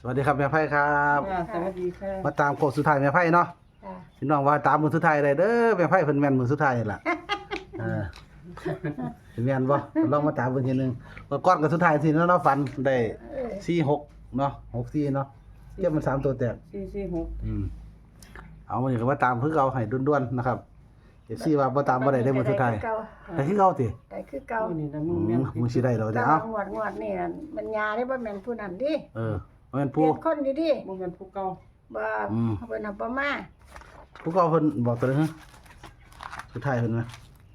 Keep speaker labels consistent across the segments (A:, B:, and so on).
A: สวัสดีครับแม่ไพ่ครับ
B: สวัสดีค่ะ
A: มาตามโค้งสุดท้ายแม่ไพ่เนาะพี่น้องว่าตามมือสุดท้ายได้เด้อแม่ไพ่เพิ่นแม่นมือสุดท้ายนี่ล่ะเป็นแม่นบ่ลองมาตามเพิ่นทีนึงเมื่อก่อนก็สุดท้ายสิเนาะเนาะฝันได้46เนาะ64เนาะเทียบมัน3ตัวแตกเอามื้อนี้ก็มาตามเพิ่นเอาให้ด่วนๆนะครับFCว่าบ่ตามบ่ได้ได้มื้อสุดท้ายแต่คือเก่าติ
C: ได้คือเก่า
B: นี่นะมึงแม่น
A: มื้อสิได้ดอก
C: แต่
A: เอ้า
C: ว่างวดนี่มันยาได้บ่แม่นผู้นั้นดิ
A: บ่แม่น
C: เปลี่
A: ผู้
C: ยนคนอยู่ดิ
B: มึงเป็นผู้เก่า
C: บ่เพิ่นเอาบ่มา
A: ผู้เก่าเพิ่นบอกตัวนึงฮะสุดท้ายเพิ่นว่า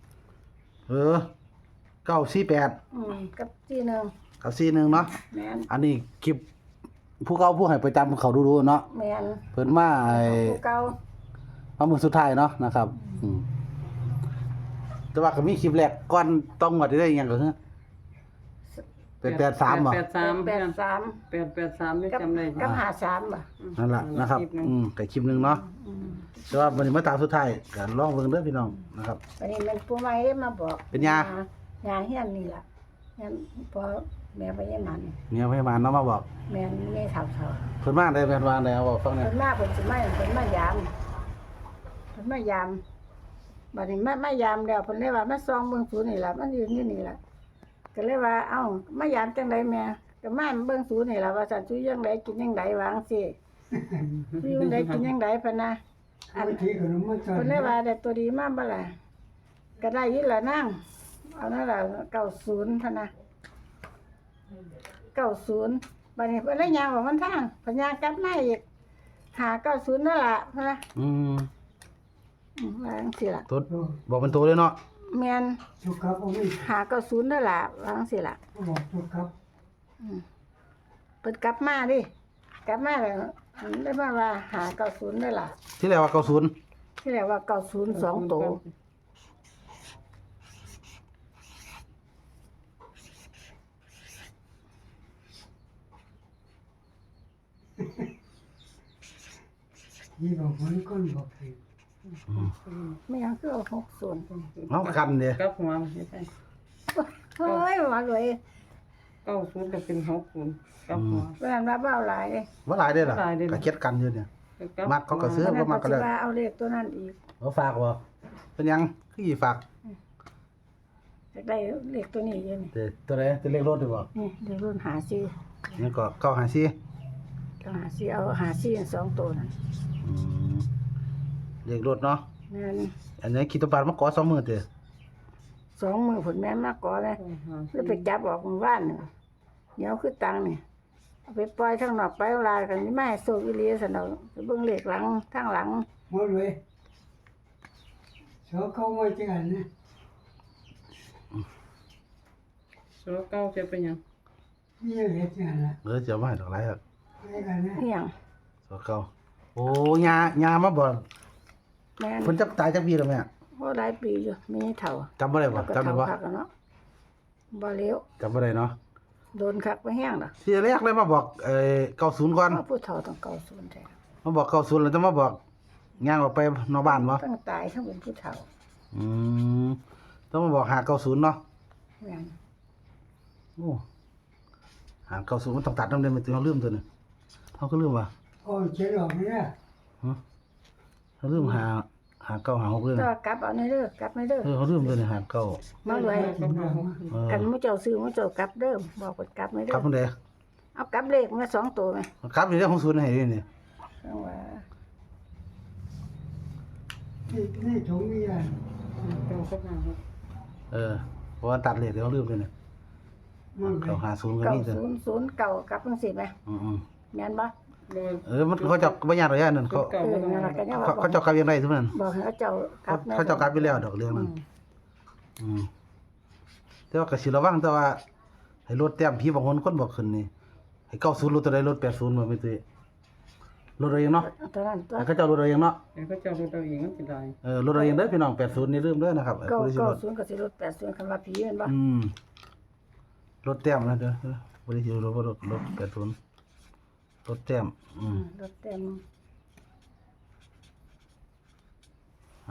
A: 948
C: กับที่หนึง
A: กับ41เนาะ
C: แม่น
A: อันนี้คลิปผู้เก่าผู้ให้ประจำเขาดูๆเนาะ
C: แม่น
A: เพิ่นมา
C: ผู้เก่า
A: มามื้อสุดท้ายเนาะนะครับแต่ว่าก็มีคลิปแรกก่อนต้องงวดได้อิหยังก็คือเป็น83บ่
B: 83
C: 83
B: นี่
C: กับ
B: จำได้
C: กับ53บ่
A: นั่นล่ะนะครับก็คลิปหนึงเนาะแต่ว่าวันนี้มาตามสุดท้ายก็ลองเบิ่งเด้อพี่น้องนะครับ
C: อันนี้มันผู้ใหม่ได้มาบอก
A: เป็นยา
C: เฮียนนี่ล่ะเฮียนพอแม่ไปยังมัน
A: เมียพยาบาลเนาะมาบอก
C: แม่นมีเฒ่า
A: เพิ่นมาได้แม่นว่าได้เอาบอกฟัง
C: ๆ
A: แหน่
C: เพิ่นมาเพิ่นสิมาเพิ่นมายามบัดนี้มายามแล้วเพิ่นเลยว่ามาส่องเบิ่งศูนย์นี่ล่ะมันยืนอยู่นี่ล่ะก็เลยว่าเอ้ามายามจังไดแม่ก็มาเบิ่งศูนย์นี่ล่ะว่าซั่นสิจังไดกินจังไดวาจั่งซี้สิจังไดกินจังไดเพิ่นน่ะอันเพิ่นเลยว่าได้ตัวดีมาบ่ล่ะก็ได้อยู่ล่ะนางเอานั่นล่ะ90เท่านะ90บัดนี้เพิ่นเลยย่างออกมันทางเพิ่นย่างกลับมาอีก590นั่นล่ะเพิ่นน่ะว่าจังซี่ล่ะ
A: ตัวบอกเป็นตัวเลยเนาะ
C: แม่น
D: จุกครับผมนี่
C: 590นั่นล่ะว่าจังซี่ล่ะ
D: บอกจุกครับ
C: เพิ่นกลับมาดิกลับมาแล้วได้มาว่า590นั่นล่ะ
A: ที่แรกว่า90
C: ที่แรกว่า90 2ตัว
D: ยี่บอกมันก้นบอกผิด
C: ไม่ยังคือเอา60
A: เอากันเด้
B: กับหัวไม่ใช่
C: เฮ้ยว่าเลย
B: 90ก็เป็น60กับหัว
C: เพิ่นว่าเบาหลาย
A: บ่หลายเด้อล่ะ
B: บ่หลายเด้อ
A: ก็เก็ดกันอยู่เนี่ย มักเขาก็ซื้
C: เพิ่น
A: บ่มักก็ได้
C: สิว่าเอาเลขตัวนั้นอีก
A: เอาฝากบ่เป็นหยังคือสิฝาก
C: อยากได้เลขตัวนี้อยู่นี่
A: ตัวใดตัวเลขรถดีบ่
C: นี่เลขรุ่น54
A: นี่ก็954
C: ต้อง54เอา54 2ตัวนั่น
A: เลขรถเนาะ
C: แม่น
A: อันนี้คิดตบาทมาก่อ2มื้อเด้อ
C: 2 มือผลแม่นมาก่อเลยแล้วไปจับออกหมู่บ้านนี่เดี๋ยวคือตังค์นี่เอาไปปล่อยทางนอกไปเอาลายกันนี่มาให้โซกอีหลีซั่นดอกไปเบิ่งเลขหลังทางหลัง
D: หมดเลยชอบเข้ามาจังอันนะ
B: โซเก่าจะเป็นหยัง
D: นี่เห็ดจังอันละ
A: จะเอามาให้ดอกหลายครับ
D: นี่กันนะ
C: อีหยัง
A: สอเก่าโอ้ยามาบ่
C: แม่น
A: เพิ่นจักตายจักปีแล้วแม่
C: โอ้หลายปีอยู่มีเฒ่า
A: จำบ่ได้บ่
C: แล้วก็
A: จำได้
C: เฒ่า
A: บ่
C: คักอะเนาะบ่เลี้ยว
A: จำบ่ได้เนาะ
C: โดนคักไปแห้งดอก
A: ที่แรกเลยมาบอก90ก่อน
C: เพราะผู้เฒ่าต้อง90แท้
A: มาบอก90แล้วจะมาบอกย่างออกไปนอกบ้านบ่
C: ทั้งตายทั้งเป็นผู้เฒ่า
A: ต้องมาบอก590เนาะ
C: แม่น
A: โอ้590มันต้องตัดนำเด้มันต้องลืมตัวนึงเฮาก็ลืมว่า
D: โอ้เจ็ดออกนี่นะ
A: เฮาลืม596เลย
C: ก็
A: นะ
C: กลับเอาในเด้อกลับในเด้อ
A: เฮาลืมตัวนี้59
C: มาเลย
B: กับหัว
C: กันมื้อเจ้าซื้อมื้อเจ้ากลับเด้อบอกเพิ่นกลับในเด้
A: ครับ
C: อ
A: พุ่นเด้
C: เอากลับเลขมา2ตัวไหม
A: ครับนี่เรื่องของศูนย์ให้นี่
C: จังว่า
D: นี่ถุงนี่อ่ะ
B: เก่ากับหัว
A: เพราะว่าตัดเลขเดี๋ยวลืมเลยเนี่ย
D: มันไป
A: 950ก็มีตัว
C: 9009กลับจังซี่แหม แม่นบ่
B: โดย
A: มันเขาเจ้าบ่ยากดอกอย่างนั้นเขา
B: เก่ากับหัว
C: นั่นล่ะก็ยังว่า
A: เขาเจ้ากลับยังไงทุกนั้น
C: บอกให้เขาเจ้ากลับ
A: เขาเจ้ากลับไปแล้วดอกเรื่องนั้นแต่ว่าก็สิระวังแต่ว่าให้ลดแต้มพี่บางคนบอกขึ้นนี่ให้90ลดตัวใดลด80บ่ไม่ตื้อลดเอาเองเนาะ
C: ตอนนั้นตัว
A: ให้เขาเจ้าลดเอาเองเนาะ
B: เดี๋ยวเขาจะรู้ตัวเองมันสิได้
A: ลดเอาเองเด้อพี่น้อง80นี่ลืมเด้อนะครับผู้ที่สิลด
C: 90ก็สิลด80คำว่าผีแม่นบ่
A: ลดแต้มนะเด้อบ่ได้สิลดบ่ลด80ลดแต้ม
C: ลดเต็ม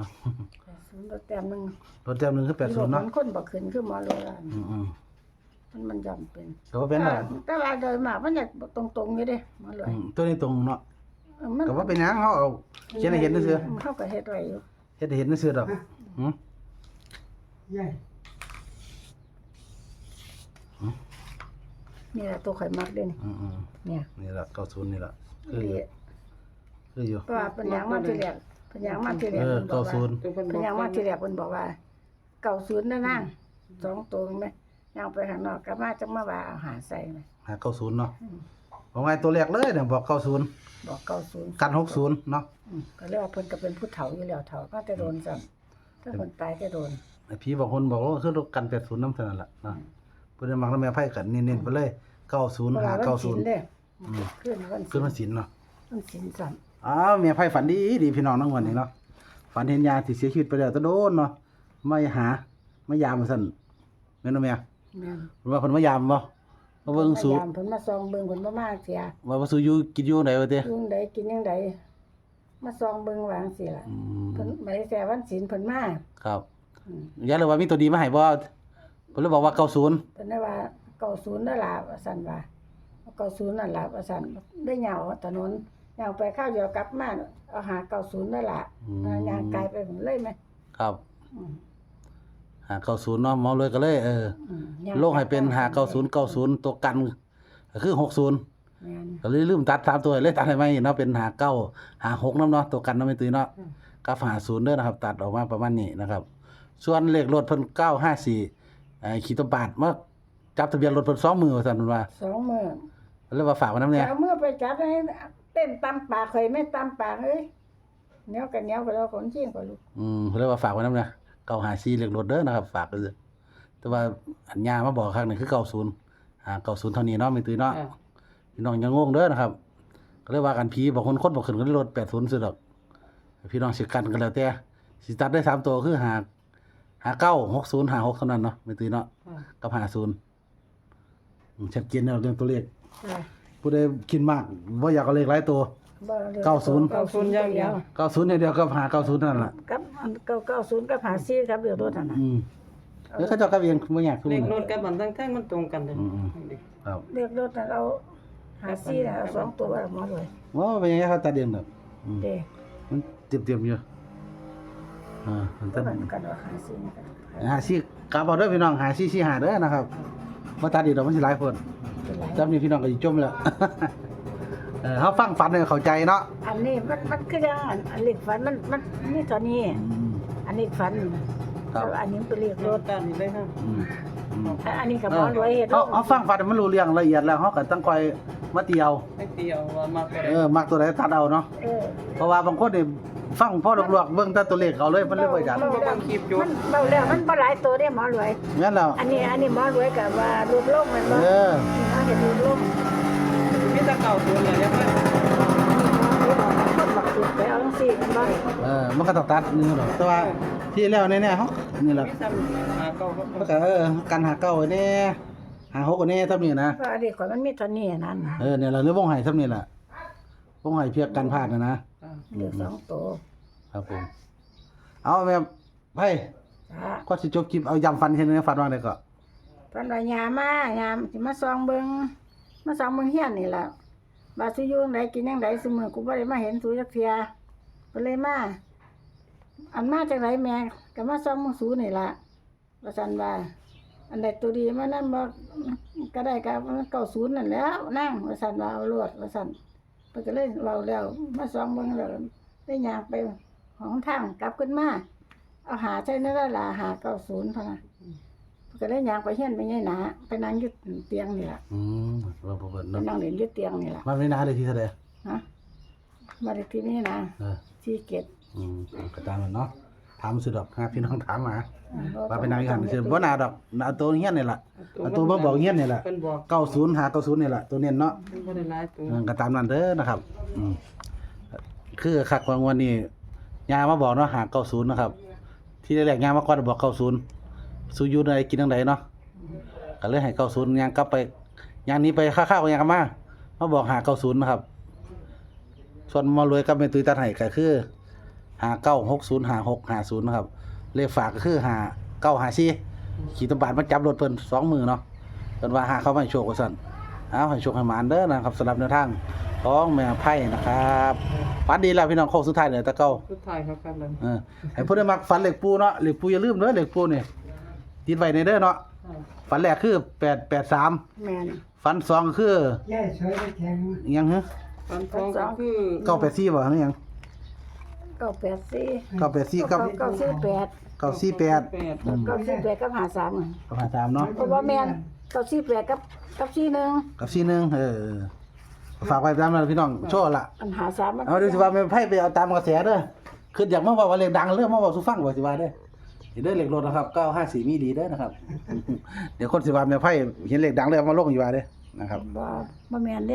C: 80ลดเต็มนึง
A: ลดแต้มหนึงคือ80เนาะ
C: คนบ่ขึ้นคือหมอโลราณมันย่อมเป็น
A: ก็ว่าเป็นล่ะ
C: แต่ว่าโดยมากมันจะตรงๆอยู่เด้มาเลย
A: ตัวนี้ตรงเนาะ
C: มัน
A: ก็ว่าเป็นหยังเฮาเอาเขียนให้เห็นซื่อ
C: เข้าก็เฮ็ดไว้อยู่
A: ๆเฮ็ดให้เห็นซื่อๆดอกหือ
D: ใหญ่
C: นี่แหละตัวข่อยมักเด้นี่
A: อืม
C: เนี่ย
A: ๆนี่ล่ะ90นี่ล่ะคืออยู่
C: นี่
A: คืออยู่
C: เพราะว่าเป็นหยังมาทีแรกเป็นหยังมาทีแรก
A: เออ
C: เพิ่นบอกว่า
A: 90
B: ตัวเพิ่นบ
C: เป็น
B: อก
C: หยังมาทีแรกเพิ่นบอกว่า90นั่นนั่ง2ตัวแม่ยังไปข้างนอกกลับมาจังมาว่าเอาหาใส่แม่
A: หา90เนาะบอกไงตัวแรกเลยเนี่ยบอก90
C: บอก90
A: กัน60เนาะ
C: ก็เรียกว่าเพิ่นก็เป็นผู้เฒ่าอยู่แล้วเฒ่าก็จะโดนซ้ำถ้าคนตายจะโดน
A: ไอ้ผีบางคนบอกว่าคือกัน80นำเท่านั้นล่ะเนาะเพิ่นมักนำแม่ไผกันเน้นๆไปเลย90
C: เพราะว่าวันศีล
A: 590
C: เด้ขึ้นวัน
A: คือมันศีลเนาะ
C: วันศีลซ้ำ
A: อ้าวแม่ไผฝันดีดีพี่น้องทั้งวันนี้เนาะฝันเห็นยาที่เสียชีวิตไปแล้วแตะโดนเนาะมายามซั่นแม่นบ่แม่
C: แม่น
A: เพิ่นว่าเพิ่นมายามบ่มาเบิ่งสู
C: พยายามเพิ่นมาซองเบิ่งเพิ่นบ่มาเสีย
A: ว่าสูอยู่กินอยู่ไหนวะเด้
C: ยุงใดกินยังใดมาซองเบิ่งวาจั่งซี่ล่ะ
A: อืม
C: เพิ่นมาได้แต่วันศีลเพิ่นมา
A: ครับ
C: อืม
A: ยายเลยว่ามีตัวดีมาให้บ่เพิ่นเลยบอกว่า90
C: เพิ่นได้ว่า90นั่นล่ะว่าซั่นว่า90นั่นล่ะว่าซั่นได้เหยาถนนเหยาไปข้าวเดียวกลับมาเอาหา90นั่นล่ะย่างกายไปผมเลยไหม
A: ครับ
C: อืม
A: 590เนาะหมอเลยก็เลย
C: ย่าง
A: ลงให้เป็น59090ตัวกันก็คือ60
C: แม่น
A: ก็เลยลืมตัด3ตัวเลยตัดให้ใหม่เนาะเป็น5956นำเนาะตัวกันเนาะแม่ตุ้ยเนาะกับ50เด้อนะครับ ตัดออกมาประมาณนี้นะครับ ส่วนเลขรถเพิ่น954ขี่ตวบาทมาจับทะเบียนรถเพิ่น2มือว่าซั่นเพิ่นว่า
C: 2มื้อ
A: เลยว่าฝากไว้นำเนี่ย
C: เอามือไปจับให้เต้นตำปากข่อยไม่ตำปากเอ้ยเหนียวกันเหนียวก็แล้วคนชิงก็ลูก
A: เพิ่นเลยว่าฝากไว้นำเนี่ย954เลขรถเด้อนะครับ ฝากไว้ซื่อแต่ว่าอันยามาบอกครั้งนึงคือ90เท่านี้เนาะแม่ตุ้ยเนาะ
B: อ่า
A: พี่น้องอย่างงงเด้อนะครับ ก็เลยว่ากันผีบอกคนบ่ขึ้นก็เลยลด80ซื้อดอกพี่น้องสิกันก็แล้วแต่สิตัดได้3ตัวคือ5960 56เท่านั้นเนาะแม่ตุ้ยเนาะ
B: อ่า
A: กับ50ชัดเจนแล้วเรื่องตัวเลข
C: ค่ะ
A: ผู้ใดคิดมากบ่อยากเอาเลขหลายตัว
C: บ่เรื่อง
A: 90
B: 90อย่างเดียว
A: 90อย่างเดียวกับ590เท่านั้นล่ะ
C: กับอัน90กับ54ครับเดี๋ยวรถนั่นน่ะ
A: เดี๋ยวเขาเจ้าก็เองบ่อยากทุก
B: เลข
A: มื้อ
B: รถกับบันทั้งแท่งมันตรงกันเลย
A: ครับ
C: เรียกรถน่ะเอา54น่ะเอา2ตัวหมอเลย
A: ว่าเป็นยังไงเขาตัดเองดอก
C: เด้
A: มันเตรียมๆอยู่มัน
C: ก็
A: ตัด
C: มันกันว่า54นี่ก็
A: หาซี่กลับเอาเด้อพี่น้องหาซี่หาเด้อนะครับบ่ตัดอีกดอกมันสิหลายคน
C: เป็นไร
A: จำนี่พี่น้องก็สิจมแล้ว เฮาฟังฝันให้เข้าใจเนาะ
C: อันนี้มันคือจังอันเลขฝันมันนี่ตอนนี้ อันนี้ฝัน
A: ครับ
C: แล้วอันนี้เป็นเลขร
B: ร
C: ถ
B: ถกันนี่เลยค่ะ
C: อันนี้ก็หมอรวยเฮ็ด
A: เฮาฟังฝันให้มันรู้เรื่องละเอียดแล้วเฮาก็ต้องคอยมาเตียว
B: ไม่เตียวว่ามาเป็น
A: มักตัวใดตัดเอาเนาะ
C: เออ
A: เพราะว่าบางคนนี่ฟังพอลวกๆเบิ่งแต่ตัวเลขเอาเลยมันเลยบ่อยาก
B: มันบ่ต้องคลิปอยู่
C: มันเบาแล้วมันบ่หลายตัวเด้หมอรวย
A: แม่นแล้ว
C: อันนี้หมอรวยก็ว่าลดลงแม่นบ่
A: เออ
C: นี่เฮ็ดลดลง
B: มีแต่90เนี่ยยังไง
C: มันบักสุดไปเอาจังซี่แม่นบ่
A: มันก็ต้องตัดนี่ดอกแต่ว่าที่แล้วแน่ๆเฮานี่แหละ
B: มีซ้ำหาเก่าก็
A: มันก็กันหาเก้าไว้แน่หาหกไว้แน่เท่านี้นะ
C: เพราะอันนี้ข่อยมันมีเท่านี้นั่น
A: เนี่ยล่ะหรือวงไห้เท่านี้ล่ะวงไห้เพียกกันพลาดนะ
C: เหลือ2ตัว
A: ครับผมเอาแม่ไผ
C: จ้า
A: ก็สิจบคลิปเอาย้ำฟันแค่นี้ฟันว่าได้ก็
C: เพิ่นว่ายามสิมาส่องเบิ่งเฮียนนี่ล่ะว่าสิอยู่จังไดกินจังไดซุมื้อกูบ่ได้มาเห็นสูจักเที่ยเพิ่นเลยมาอันมาจากไหนแม่ก็มาส่องมึงสูนี่ล่ะว่าซั่นว่าอันใดตัวดีมานั่นบ่ก็ได้ก็90นั่นแหล้วนั่งว่าซั่นว่าเอาโลดว่าซั่นเพิ่นก็เลยเว้าแล้วมาส่องเบิ่งแล้วได้ย่างไปของทางกลับขึ้นมาเอาหาใส่นั่นล่ะหา90พะนะเพิ่นก็เลยย่างไปเฮียนไปไงหนาไปนั่งอยู่เตียงนี่ล่ะ
A: ว่าบ่เบิ่น
C: ไป
A: เนาะ
C: นั่งเล่นอยู่เตียงนี่ล่ะ
A: มันไม่น่าได้ที่เท่าใด
C: ฮะมาได้ที่นี่นะ
A: เออ
C: ที่เก็ด
A: ก็ตามนั้นเนาะถามสุดดอกพี่น้องถามมาว่าเป็นนางอีหันซื่อบ่น่าดอกเอาตัวเฮียนนี่ล่ะเอาตัวมาบอกเฮียนนี่ล่ะ
B: เพิ่นบอก
A: 90หา90นี่ล่ะตัวเน้นเนาะ
B: เพิ่นบ่ได้หลายตัว
A: ก็ตามนั้นเด้อนะครับคือคักบางวันนี้ยามาบอกเนาะหา90นะครับ ที่แรกๆยามาก่อนบอก90สู้อยู่ได้กินจังไดเนาะก็เลยให้90ยางกลับไปยางนี้ไปค่าๆก็ยังกลับมาบอกหา90นะครับ ส่วนมารวยกับแม่ตุ้ยตัดให้ก็คือ59605650นะครับเลขฝากก็คือ5954ขีดตบาทมาจับรถเพิ่น2มือเนาะเพิ่นว่าหาเขามาให้โชคว่าซั่นเอาให้โชคให้หมานเด้อนะครับสำหรับแนวทางของแม่ไพ่นะครับฝันดีแล้วพี่น้องโค้งสุดท้ายเนี่ยตะเก้า
B: สุดท้ายครับกันเลย
A: ให้ผู้ได้มักฝันเหล็กปูเนาะเหล็กปูอย่าลืมเด้อเหล็กปูนี่ติดไว้ในเด้อเนาะฝันแรกคือ883
C: แม่น
A: ฝัน2คือย
D: ายสวยได้แข็ง
A: อิหยังฮะ
B: ฟันทองก็คือ
A: 984บ่หรือหยัง
C: 984
A: 984กับ
C: 948
A: 948
B: แปด
C: 948กับ53อะ
A: กับ53เนาะ
C: เพราะว่าแม่น948กับ41
A: กับ41ฝากไว้ตามนั้นพี่น้องโชว์ละ
C: อัน53มัน
A: เอาดูสิว่าแม่ไพ่ไปเอาตามกระแสเด้อคืออยากมาบอกว่าเลขดังเรื่องมาบอกสู่ฟังบ่สิว่าเด้อเห็นเด้อเลขรถนะครับ954มีดีเด้อนะครับ เดี๋ยวคนสิว่าแม่ไพ่เห็นเลขดังเลยเอามาลงอยู่ว่าเด้อนะครับ
C: บ่แม่นเด้